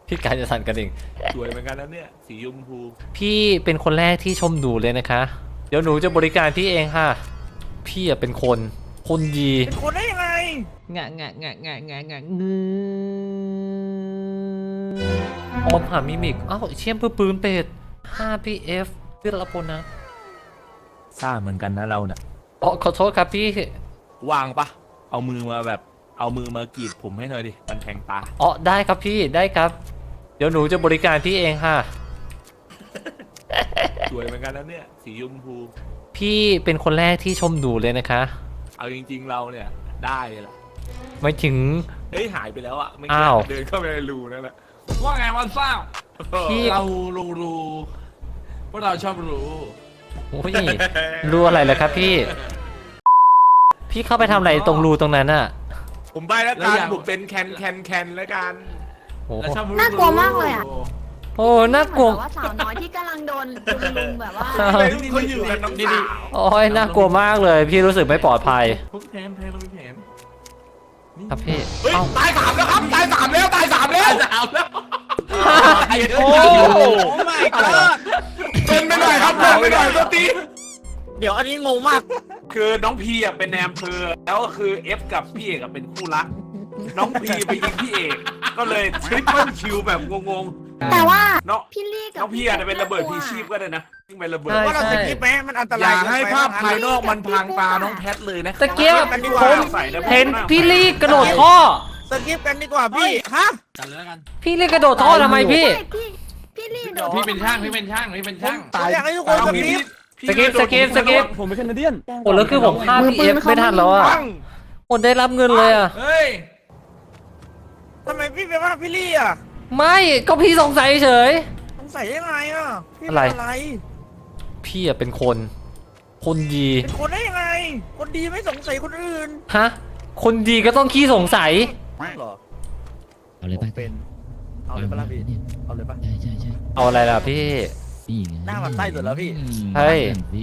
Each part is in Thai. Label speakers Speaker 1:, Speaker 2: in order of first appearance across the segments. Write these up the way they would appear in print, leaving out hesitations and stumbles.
Speaker 1: พี่กายจะสั่นกระดิ่ง
Speaker 2: สวยเหมือนกันนะเนี่ยสีชมพู
Speaker 1: พี่เป็นคนแรกที่ชมหนูเลยนะคะเดี๋ยวหนูจะบริการพี่เองค่ะพี่เป็นคนดี
Speaker 2: เป็นคนได้ยังไง
Speaker 1: งะออมหามิมิกอ้าวเชี่ยมเพื่อปืนเป็ด 5PF เพื่อรับผลนะ
Speaker 2: ซ่าเหมือนกันนะเราเนี่ย
Speaker 1: อ๋อขอโทษครับพี่
Speaker 2: วางปะเอามือมากรีดผมให้หน่อยดิมันแทงตา
Speaker 1: อ๋อได้ครับพี่ได้ครับเดี๋ยวหนูจะบริการพี่เองค่ะ
Speaker 2: สวยเหมือนกันนะเนี่ยสีชมพู
Speaker 1: พี่เป็นคนแรกที่ชมหนูเลยนะคะ
Speaker 2: เอาจริงๆเราเนี่ยได้แหละ
Speaker 1: ไม่ถึง
Speaker 2: เฮ้ยหายไปแล้วอะไม่เดินเข้าไปในรูนั่นแหละ
Speaker 3: ว่าไงวันซ่า
Speaker 1: พี่
Speaker 3: เรารู้พวกเราชอบรู้
Speaker 1: โอ้ยรู้อะไรเหรอครับพี่เข้าไปทำอะไรตรงรูตรงนั้นอะ
Speaker 2: ผมไปแล้วกันผมเป็นแคนแล้วกัน
Speaker 4: น่ากลัวมากเลยอ่ะ
Speaker 1: โอ้น่ากลัว
Speaker 4: ว่าสาวน้อยที่กำลังโดนลุมแบบว่า
Speaker 2: เขาอยู่กันน้องดี
Speaker 1: โอ้ยน่ากลัวมากเลยพี่รู้สึกไม่ปลอดภัย
Speaker 3: พวกแผนเรามีแผน
Speaker 1: ครับพี่
Speaker 2: ตาย3แล้วครับตาย3แล้ว
Speaker 3: โอ้ไม่ก็
Speaker 2: เป็นไปหน่อยครับเป็นไปหน่อยตัวตี
Speaker 3: เดี๋ยวอันนี้งงมาก
Speaker 2: คือน้องพีอ่ะเป็นแนมเพอแล้วก็คือเอฟกับพี่เอกเป็นคู่รักน้องพีไปยิงพี่เอกก็เลยทริปเปิลคิวแบบงง
Speaker 4: แต่ว่า
Speaker 2: พี่ลี่กับน้องพี่อาจจะเป็นระเบิดพีชีพก็ได้นะยิ่งเป็นระเบิด
Speaker 3: ว่าเราจะคิดไหมมันอันตราย
Speaker 2: อย่าให้ภาพภายนอกมันพังตาน้องแพทเลยนะ
Speaker 1: ตะเกียบผมเห็นพี่ลี่กระโดดท่อ
Speaker 3: สกิปกันดีกว่าพี่ฮะกันเลยกัน
Speaker 1: พี่ลี่กระโดดท่อทำไมพี่
Speaker 4: ลี่
Speaker 3: พี่เป็นช่าง
Speaker 2: ตายอยากให้ทุกคน
Speaker 1: สกิป
Speaker 2: ผมเป็นแคนาเดียน
Speaker 1: โอ้แล้วคือผมฆ่าพี่เอฟไม่ทันแล้วอ่ะหมดได้รับเงินเลยอ่ะ
Speaker 3: เฮ้ยทำไมพี่เป็นว่าพี่ลี่อ่ะ
Speaker 1: ไม่ก็พี่สงสัยเฉย
Speaker 3: สงสัยยังไงอ่ะ
Speaker 1: อะไรพี่อะเป็นคนดี
Speaker 3: เป็นคนได้ยังไงคนดีไม่สงสัยคนอื่น
Speaker 1: ฮะคนดีก็ต้องขี้สงสัย
Speaker 3: หรอ
Speaker 5: เอาเลยป่ะ
Speaker 3: เป็นเอาเลยป่ะล่ะพี่เอาเลยป่ะ
Speaker 5: ใช่
Speaker 1: เอาอะไรล่ะพี่
Speaker 3: หน้ามันไส้สุดแล้วพี่
Speaker 1: เฮ้ย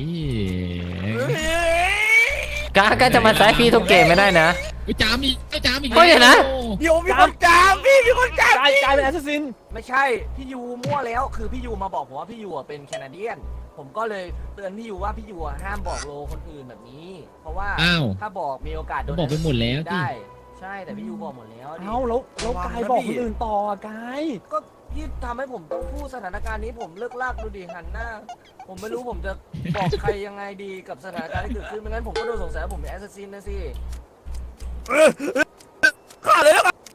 Speaker 1: กาจะมาแซะพี่ทุกเกมไม่ได้นะ
Speaker 5: ไปจามอีก
Speaker 1: ก็อย่างนะ
Speaker 3: เดี๋ยวมีคนจามพี่มีคนจาม
Speaker 6: กลายเป็นแอสซัสซินไม่ใช่พี่ยูมั่วแล้วคือพี่ยูมาบอกผมว่าพี่ยูเป็นแคนาเดียนผมก็เลยเตือนพี่ยูว่าพี่ยูห้ามบอกโลคนอื่นแบบนี้เพราะว่าถ้าบอกมีโอกาสโดน
Speaker 5: บอกไปหมดแล้ว
Speaker 6: ได้ใช่แต่พี่ยูบอกหมดแล้วแล้วกายบอกคนอื่นต่อกายก็พี่ทำให้ผมต้องพูดสถานการณ์นี้ผมเลิกลากดูดิหันหน้าผมไม่รู้ผมจะบอกใครยังไงดีกับสถานการณ์ที่เกิดขึ้นไม่งั้นผมก็โดนสงสัยว่าผมเป็นแอสซัสซินนะสิ
Speaker 3: ข้าเลยแล้วกัน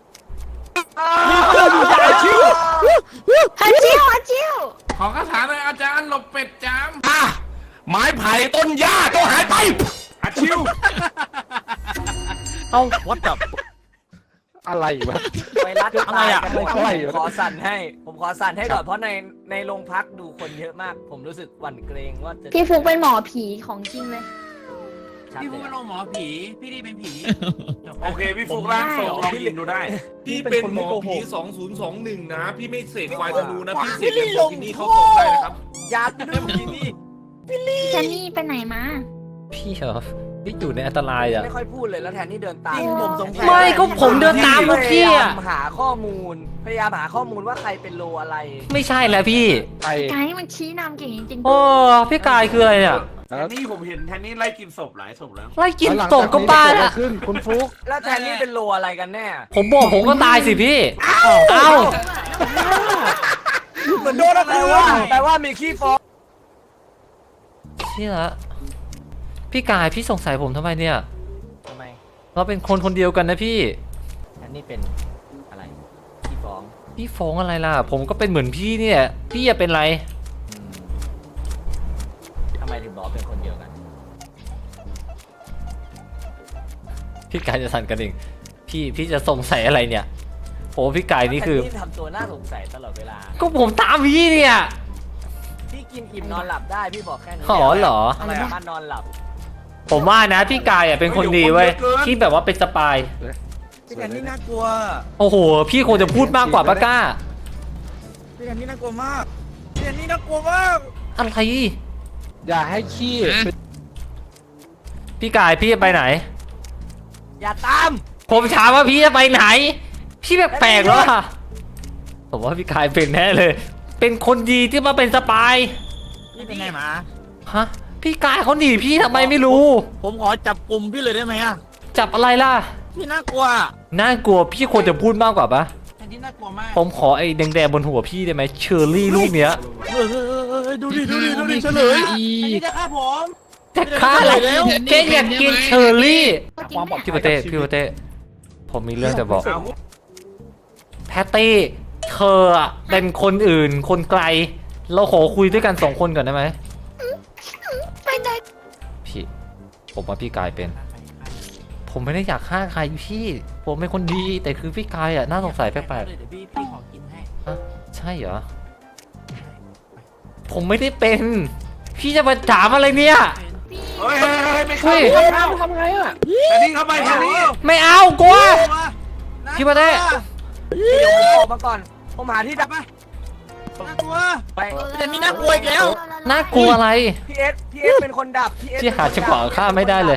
Speaker 4: ฮัจิว
Speaker 3: ขอคาถาหน่อยอาจารย์หลบเป็ดจาม
Speaker 2: ไม้ไผ่ต้นหญ้าต้องหายไปอาชิว
Speaker 1: เอา
Speaker 6: วัดกับ
Speaker 2: อะไรวะ
Speaker 6: ไวรัสอะไรอ่ะผมขอสั่นให้ก่อนเพราะในโรงพักดูคนเยอะมากผมรู้สึกหวั่นเกรงว่าจะ
Speaker 4: พี่ฟุกเป็นหมอผีของจริงเลย
Speaker 3: พี่ฟุกเป็นหมอผีพี่ดีเป็นผี
Speaker 2: โอเคพี่ฟุกร่างทรงลองยินดูได้พี่เป็นหมอผี2021นะพี่ไม่เสกควายธนูนะพี่เสกเป็นโบกินี่เข้าตรงได้นะครับ
Speaker 6: ยัดเป็นโบกินี่
Speaker 4: แทนนี่ไปไหนมา
Speaker 1: พี่เหรอพี่อยู่ในอันตรายอ่ะ
Speaker 6: ไม่ค่อยพูดเลยแล้วแทนนี่เดินตาม
Speaker 1: ผมสงสัยไม่ก็ผมเดินตามพวกพี่อ่ะ
Speaker 6: หาข้อมูลพยายามหาข้อมูลว่าใครเป็นโลอะไร
Speaker 1: ไม่ใช่แล้วพี่
Speaker 4: กายมันชี้นำเก่งจริง
Speaker 1: โอ้พี่กายคืออะไรเนี่ย
Speaker 2: นี่ผมเห็นแทนนี่ไล่กินศพหลายศพแล้ว
Speaker 1: ไล่กินศพก็บ้าละ
Speaker 2: คุณฟุก
Speaker 6: แล้วแทนนี่เป็นโลอะไรกันแน่
Speaker 1: ผมบอกผมก็ตายสิพี่เอ้า
Speaker 6: เหมือนโดนอะไรวะแปลว่ามีขี้ฟอง
Speaker 1: เชี่ยละพี่กายพี่สงสัยผมทำไมเนี่ย
Speaker 6: ทำไม
Speaker 1: เราเป็นคนเดียวกันนะพี่
Speaker 6: อันนี้เป็นอะไรพี่
Speaker 1: ฟ้องอะไรล่ะผมก็เป็นเหมือนพี่เนี่ยพี่จะเป็นไร
Speaker 6: ทำไมถึงบอกเป็นคนเดียวกัน
Speaker 1: พี่กายจะสั่นกระดิ่งพี่จะสงสัยอะไรเนี่ยโอ้พี่กายนี่คือ
Speaker 6: พี่ทำตัวน่าสงสัยตลอดเวลา
Speaker 1: ก็ผมตามพี่เนี่ย
Speaker 6: พี่กินอิ่มนอนหลับได้พี่บอกแค่นี้
Speaker 1: เหรอ
Speaker 6: อะไรมานอนหลับ
Speaker 1: ผมว่านะพี่กายอ่ะเป็นคนดีเว้ยที่แบบว่าเป็นสปาย
Speaker 3: พี่แทนนี่น่ากลัว
Speaker 1: โอ้โหพี่คงจะพูดมากกว่าป้าก้า
Speaker 3: พี่แทนนี่น่ากลัวมากพี่แทนนี่น่ากลัวมาก
Speaker 1: อะไร
Speaker 2: อย่าให้ขี้
Speaker 1: พี่กายพี่จะไปไหน
Speaker 6: อย่าตาม
Speaker 1: ผมถามว่าพี่จะไปไหนพี่แปลกๆแล้วผมว่าพี่กายเป็นแน่เลย เป็นคนดีที่มาเป็นสปาย
Speaker 3: พี่เป็นไงหมา
Speaker 1: ฮะพี่กายเขาหนีพี่ทำไมไม่รู้
Speaker 3: ผมขอจับกลุ่มพี่เลยได้ไหมอ่ะ
Speaker 1: จับอะไรล่ะ
Speaker 3: พี่น่ากลัว
Speaker 1: น่ากลัวพี่ควรจะพูดมากกว่าปะ
Speaker 3: อันนี้น่ากลัวมาก
Speaker 1: ผมขอไอ้แดงๆบนหัวพี่ได้ไหมเชอร์รี่ลูกเนี้ย
Speaker 3: ดูดิเฉลยอันนี้จะฆ่าผม
Speaker 1: จะฆ่าอะไรแกอยากกินเชอร์รี่
Speaker 4: จริงไหม
Speaker 1: พี่โปเต้ผมมีเรื่องจะบอก
Speaker 2: เอา
Speaker 1: แพตตี้เธออะเป็นคนอื่นคนไกล เราขอคุยด้วยกัน2 คนก่อนได้ไหม
Speaker 4: ไปไหน
Speaker 1: พี่ผมว่าพี่กายเป็น ผมไม่ได้อยากฆ่าใครพี่ ผมเป็นคนดีแต่คือพี่กายอ่ะน่าสงสัยแปลก
Speaker 3: เดี๋ยวพี่ขอกินให้
Speaker 1: ๆอะใช่เหรอ ผมไม่ได้เป็น พี่จะมาถามอะไรเนี่ย
Speaker 4: พี่
Speaker 2: เฮ้ยไม่
Speaker 1: เฮ้
Speaker 2: เข้าย
Speaker 6: ทำไงอ่ะ
Speaker 2: แต่นี่เข้าไปแค่นี้
Speaker 1: ไม่เอากลัว พี่มาได้
Speaker 6: เดี๋ยวผมออกมาก่อนผมหาที่ดับ
Speaker 3: น่ากลัว
Speaker 6: ไป
Speaker 3: แต่นี่น่ากลัวอีกแล้ว
Speaker 1: น่ากลัวอะไร
Speaker 6: พี่เอสเป็นคนดับพี่เอส
Speaker 1: พี่หาจังหวะฆ่าไม่ได้เลย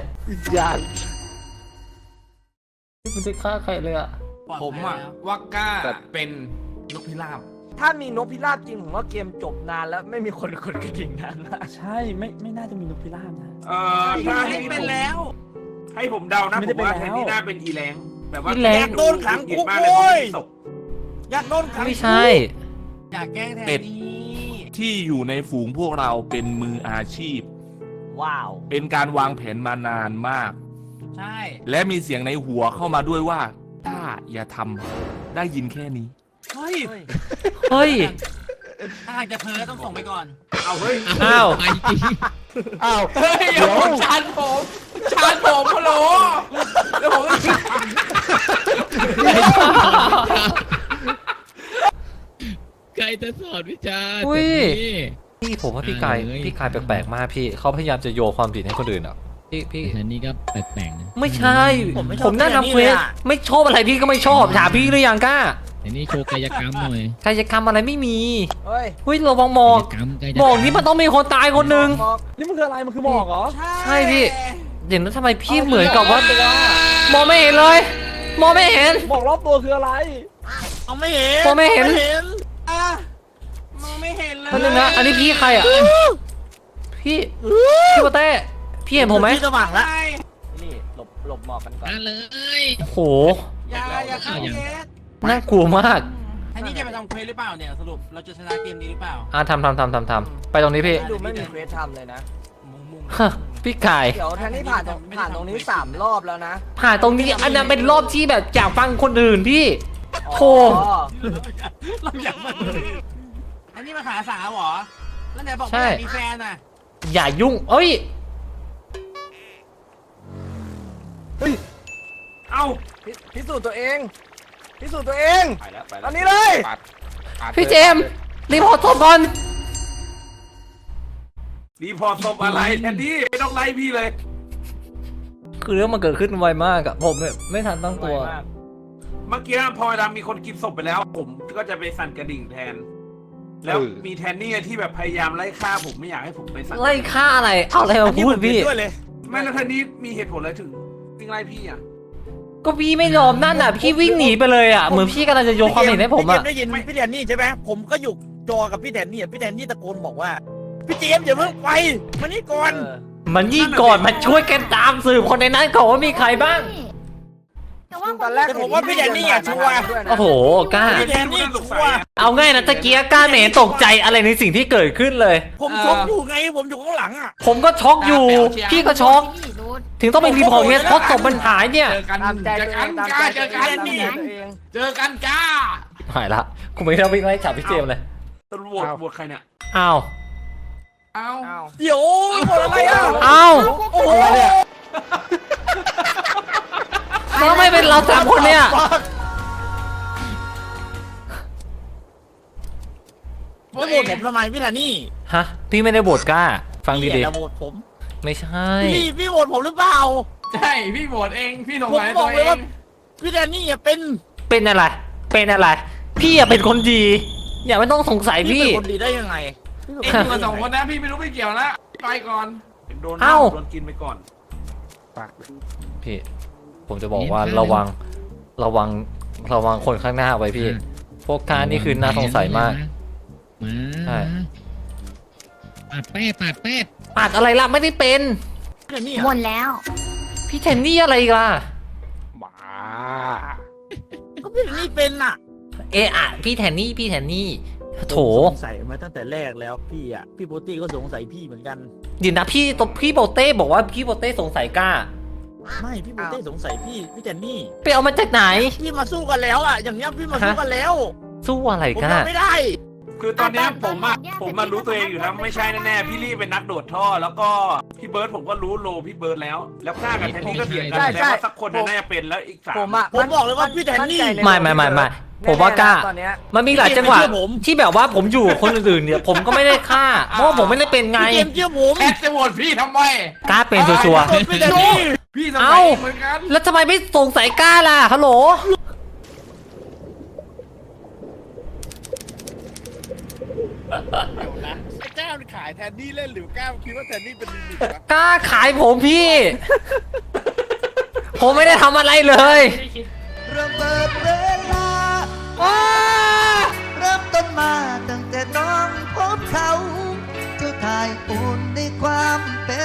Speaker 1: มันจะฆ่าใครเลยอ่ะ
Speaker 7: ผมอะว่ากล้าเป็นนกพิราบ
Speaker 6: ถ้ามีนกพิราบจริงผมว่าเกมจบนานแล้วไม่มีคนกดกระดิ่งนานละ
Speaker 5: ใช่ไม่น่าจะมีนกพิราบนะ
Speaker 2: ถ้าให้
Speaker 3: เป็นแล้ว
Speaker 2: ให้ผมเดานะ
Speaker 5: ไม่
Speaker 2: ผ
Speaker 5: ได้
Speaker 2: มว่า
Speaker 5: เป็น
Speaker 2: แท
Speaker 5: แล้ว
Speaker 2: นที่น่าเป็นอีแรงแบบว่า
Speaker 1: อีแรง
Speaker 2: โดนขังคุกโว้ย
Speaker 3: อยากโดนขัง
Speaker 1: ไม่ใช่
Speaker 3: อยากแกล้งแทน
Speaker 7: เป็ด
Speaker 3: นี่
Speaker 7: ที่อยู่ในฝูงพวกเราเป็นมืออาชีพ
Speaker 6: ว้าว
Speaker 7: เป็นการวางแผนมานานมาก
Speaker 3: ใช่
Speaker 7: และมีเสียงในหัวเข้ามาด้วยว่า ถ้าอย่าทำได้ยินแค่นี้
Speaker 3: เฮ้ย
Speaker 1: เฮ้ย
Speaker 3: ถ้าหากจะเพ้อต้องส่งไปก่อน
Speaker 2: เอาเฮ้ย
Speaker 1: อ้าว
Speaker 5: ไปจริง
Speaker 3: อ้าว
Speaker 7: เฮ้ยเดี๋ยวชานผมฮัลโหลเดี๋ยวผม
Speaker 5: ใครจะสอนวิจารณ์
Speaker 1: อุ้ย
Speaker 5: นี่
Speaker 1: พี่ผมว่าพี่กาย
Speaker 5: เอ้ย
Speaker 1: พี่กายแปลกๆมากพี่เขาพยายามจะโยนความผิดให้คนอื่นอ่ะพี่
Speaker 5: แต่นี่ก็แปลกๆนะ
Speaker 1: ไม่ใช่
Speaker 3: ผมไม่ชอบ
Speaker 1: ผมนั่งทำเคว
Speaker 3: พี่
Speaker 1: ส
Speaker 3: เลยอะ
Speaker 1: ไม่ชอบอะไรพี่ก็ไม่ชอบถามพี่หรือยังกล้า
Speaker 5: แต่นี่โชว์กายกรรมหน่อย
Speaker 1: กายกรรมอะไรไม่มี
Speaker 6: เฮ้ย
Speaker 1: เฮ้ยระวังหมอก
Speaker 5: กายกรรม
Speaker 1: หมอกนี่มันต้องมีคนตายคนหนึ่ง
Speaker 6: มอก
Speaker 5: นี่มันคืออะไรมันคือหมอกเหรอ
Speaker 1: ใช่พี่เดี๋ยวนั้นทำไมพี่เหมือนกับว่ามองไม่เห็นเลยมองไม่เห็น
Speaker 5: หมอกรอบตัวคืออะไร
Speaker 3: เอาไม่เห็น
Speaker 1: ผมไม่เห็น
Speaker 3: อ่ะมองไม่เห็นเลย
Speaker 1: คนนึงนะอันนี้พี่ใครอ่ะพี่โปเต้พี่เห็นผมไหม
Speaker 3: พี่สว่างแล้ว
Speaker 6: นี่หลบหมอกกันก่อน
Speaker 5: มาเลย
Speaker 1: โอ้โห
Speaker 3: อย่าเข้าเกส
Speaker 1: น่ากลัวมาก
Speaker 3: อันนี้จะไปทำเควสหรือเปล่าเนี่ยสรุปเราจะชนะเกมนี้หรือเปล่า
Speaker 1: ทำไปตรงนี้พี่
Speaker 6: ดูไม่มีเควสทำเลยนะ
Speaker 3: มุ่ง
Speaker 1: ฮะพี่กาย
Speaker 6: เดี๋ยวแทนที่ผ่านตรงนี้3 รอบแล้วนะ
Speaker 1: ผ่านตรงนี้อันนั้นเป็นรอบที่แบบอยากฟังคนอื่นพี่โธ่
Speaker 6: อ๋อ
Speaker 3: เราอยากมาอันนี้มาหาสาวเหรอแล้วไหนบอกไม่อยากมีแฟนอ่ะ
Speaker 1: อย่ายุ่งเอ้ย
Speaker 2: เอา
Speaker 6: พิสูจน์ตัวเองพิสูจน์ตัวเอง
Speaker 7: ไปแล้วไป
Speaker 6: ต
Speaker 7: แล้
Speaker 6: อ
Speaker 7: วน
Speaker 6: นี้เลย
Speaker 1: พี่เจมส์รีพอร์ตศพก่อน
Speaker 2: รีพอร์ตศพอะไรแทนที่ไม่ต้องไล่พี่เลย
Speaker 1: คือเรื่องมันเกิดขึ้นไวมากอะผมไม่ทันตั้งตัว
Speaker 6: ไวมาก
Speaker 2: เมื่อกี้พอเวลามีคนกินศพไปแล้ว ผมก็จะไปสั่นกระดิ่งแทน แล้วมีแทนนี่ที่แบบพยายามไล่ฆ่าผมไม่อยากให้ผมไปสั่น
Speaker 1: ไล่ฆ่าอะไรเอาอะไรมาพูดพี่
Speaker 3: ด้วยเลย
Speaker 2: ไม่แล้วแทนนี่มีเหตุผลอะไรถึงวิ่งไล่พี่อ่ะ
Speaker 1: ก็พี่ไม่ยอมนั่นอ่ะพี่วิ่งหนีไปเลยอ่ะเหมือนพี่กำลังจะโยนความผิดให้ผมอ่ะ
Speaker 3: พี่เจส์ได้ยินพี่แทนนี่ใช่ไหมผมก็อยู่จอกับพี่แทนนี่พี่แทนนี่ตะโกนบอกว่าพี่เจมส์อย่าเพิ่งไปมานี่ก่อน
Speaker 1: มันยิ่งก่อนมาช่วยกันตามสืบคนในนั้นก่อนว่ามีใครบ้าง
Speaker 4: แต่ว่า
Speaker 6: ตอนแรก
Speaker 3: ผมว่าพี่แทนนี่อ่ะชัวร์
Speaker 1: โอ้โหกล้า
Speaker 3: พี่แทนนี่
Speaker 2: สง
Speaker 3: ชั
Speaker 2: สัยว
Speaker 3: ร์
Speaker 2: อะ
Speaker 1: เอาง่ายนะตะเกียกล้าไม่เห็นตกใจอะไรในสิ่งที่เกิดขึ้นเลย
Speaker 3: ผมช็อกอยู่ไงผมอยู่ข้างหลังอ่ะ
Speaker 1: ผมก็ช็อกอยู่ พี่ก็ช็อก
Speaker 4: พี่ดู
Speaker 1: ถึงต้องไปรีพอร์ตเนี่ยเพราะศพมันหายเนี่ย
Speaker 7: เจอกัน
Speaker 6: ตามใจ
Speaker 7: เจ
Speaker 6: ตั
Speaker 7: อ
Speaker 6: วเอ
Speaker 7: กัน
Speaker 6: งตาม
Speaker 7: จ้า
Speaker 6: ใจ
Speaker 7: เจ
Speaker 6: ตัว
Speaker 7: อ
Speaker 6: เอง
Speaker 7: กัน
Speaker 6: ตามใจตัวเอง
Speaker 7: เจอกันจ้า
Speaker 1: หายละกูไม่ได้วิ่งไล่จับพี่เจมส์เลย
Speaker 2: ตำรวจบวชใครเนี่ย
Speaker 1: อ้าว
Speaker 7: เอา
Speaker 6: อ้าว
Speaker 3: เดี๋ยวคนอะไรอ่ะ
Speaker 1: อ้าว
Speaker 3: โอ้โห
Speaker 1: แล้วทำไมเป็นเราสามคนเนี่ย
Speaker 3: ไม่โหวตผมทำไมพี่แทนนี่
Speaker 1: ฮะพี่ไม่ได้โบดกล้า ฟัง
Speaker 3: พี่
Speaker 1: ดี
Speaker 3: อย่าโหวตผม
Speaker 1: ๆไม่ใช่
Speaker 3: พี่โหวตผมหรือเปล่า
Speaker 7: ใช่พี่โหวตเองพี่สง
Speaker 3: ผม
Speaker 7: สัย
Speaker 3: บ
Speaker 7: ตั
Speaker 3: อ
Speaker 7: ว
Speaker 3: ก
Speaker 7: เอ
Speaker 3: เลยว่า
Speaker 7: ง
Speaker 3: พี่แทนนี่อย่าเป็น
Speaker 1: เป็นอะไร เป็นอะไร พี่อะเป็นคนดี อย่าไม่ต้องสงสัย
Speaker 3: พี่
Speaker 1: พี่
Speaker 3: เป็นคนดีได้ยังไง
Speaker 7: เอ็งอยู่กัน2 คนนะพี่ไม่รู้ไม่เกี่ยวนะไปก่อน
Speaker 2: โดน
Speaker 1: เอ้า
Speaker 2: โดนกินไปก่อน
Speaker 1: พี่ ผมจะบอกว่าระวังคนข้างหน้าไว้พี่พวกท่านี่คือน่าสงสัยมาก
Speaker 5: มา
Speaker 1: ใช่
Speaker 5: ปาดแป้ปาดแป้
Speaker 1: ปาดอะไรล่ะไม่ได้เป็น
Speaker 3: พี่แทนนี่
Speaker 4: หมดแล้ว
Speaker 1: พี่แทนนี่อะไรอีกล่ะ
Speaker 2: บ้า
Speaker 3: ก็พี่แทนนี่เป็นน่ะ
Speaker 1: เอะอะพี่แทนนี่โถ
Speaker 3: ผมสงสัยมาตั้งแต่แรกแล้วพี่โปตี้ก็สงสัยพี่เหมือนกัน
Speaker 1: เดี๋ยวนะพี่โบเต้บอกว่าพี่โบเต้สงสัยกล้า
Speaker 3: ไม่พี่โปตี้สงสัยพี่แทนนี่
Speaker 1: ไปเอามาจากไหน
Speaker 3: พี่มาสู้กันแล้วอ่ะอย่างเงี้ยพี่มาสู้กันแล้ว
Speaker 1: สู้อะไร
Speaker 3: ผม
Speaker 1: กล้า
Speaker 3: ทำไม่ได้
Speaker 2: คือตอนเนี้ยผมมารู้ตัวเองอยู่แล้วไม่ใช่แน่ๆพี่ลี่เป็นนักโดดท่อ แล้วก็พี่เบิร์ดผมก็รู้โลพี่เบิร์ดแล้ว แล้วกล้ากับแทนนี่ก็เถียงกันแล้วว่าสักคนน่าจะเป็นแล้วอีกสาม
Speaker 6: ผมอะ
Speaker 3: ผมบอกเลยว่าพี่แทนนี่
Speaker 6: มั่ใจใน
Speaker 1: ไม่ผมว่ากล้า
Speaker 6: ตอนเนี้ย
Speaker 1: มันมีหลายจังหวะ
Speaker 3: พี่เจมส์ไม่เชื่อผม
Speaker 1: ที่แบบว่าผมอยู่กับคนอื่นๆเนี่ยผมก็ไม่ได้ฆ่าเพราะว่าผมไม่ได้เป็นไง
Speaker 3: พี่เจมส์เชื่อผม
Speaker 2: แอดจะโหวตพี่ทำไม
Speaker 1: กล้าเป็นชัวร์
Speaker 3: พี่แทนนี่
Speaker 2: พี่สงสั
Speaker 1: เอ้า
Speaker 2: ยเหมือนกัน
Speaker 1: ๆแล้วทำไมไม่สงสัยกล้าล่ะฮัลโหล
Speaker 3: กล้าขายแทนนี่เล่นหรือกล้าคิดว่าแทนนี่เป็นลิมิตวะ
Speaker 1: กล้าขายผมพี่ ผมไม่ได้ทำอะไรเลย
Speaker 8: ระเบิดเวลาเริ่มต้นมาตั้งแต่น้องพบเขา เจ้าทายอุ่นในความเป็น